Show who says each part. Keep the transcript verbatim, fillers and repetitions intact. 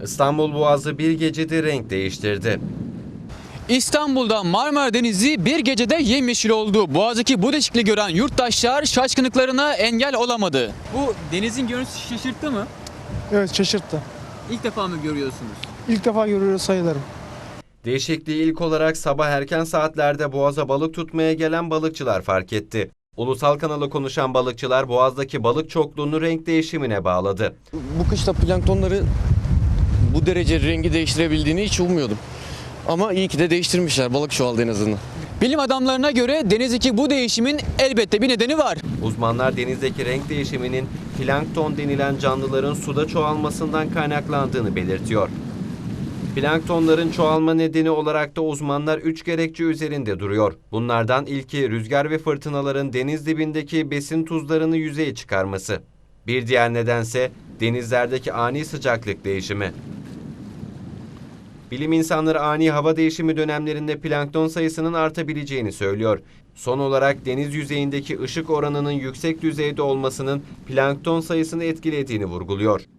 Speaker 1: İstanbul Boğazı bir gecede renk değiştirdi.
Speaker 2: İstanbul'da Marmara Denizi bir gecede yemyeşil oldu. Boğaz'daki bu değişikliği gören yurttaşlar şaşkınlıklarına engel olamadı. Bu denizin görüntüsü şaşırttı mı?
Speaker 3: Evet, şaşırttı.
Speaker 2: İlk defa mı görüyorsunuz?
Speaker 3: İlk defa görüyoruz sayılarım.
Speaker 1: Değişikliği ilk olarak sabah erken saatlerde Boğaz'a balık tutmaya gelen balıkçılar fark etti. Ulusal kanalı konuşan balıkçılar Boğaz'daki balık çokluğunu renk değişimine bağladı.
Speaker 4: Bu kışta planktonları bu derece rengi değiştirebildiğini hiç ummuyordum. Ama iyi ki de değiştirmişler. Balık çoğaldı en azından.
Speaker 2: Bilim adamlarına göre denizdeki bu değişimin elbette bir nedeni var.
Speaker 1: Uzmanlar denizdeki renk değişiminin plankton denilen canlıların suda çoğalmasından kaynaklandığını belirtiyor. Planktonların çoğalma nedeni olarak da uzmanlar üç gerekçe üzerinde duruyor. Bunlardan ilki rüzgar ve fırtınaların deniz dibindeki besin tuzlarını yüzeye çıkarması. Bir diğer nedense denizlerdeki ani sıcaklık değişimi. Bilim insanları ani hava değişimi dönemlerinde plankton sayısının artabileceğini söylüyor. Son olarak deniz yüzeyindeki ışık oranının yüksek düzeyde olmasının plankton sayısını etkilediğini vurguluyor.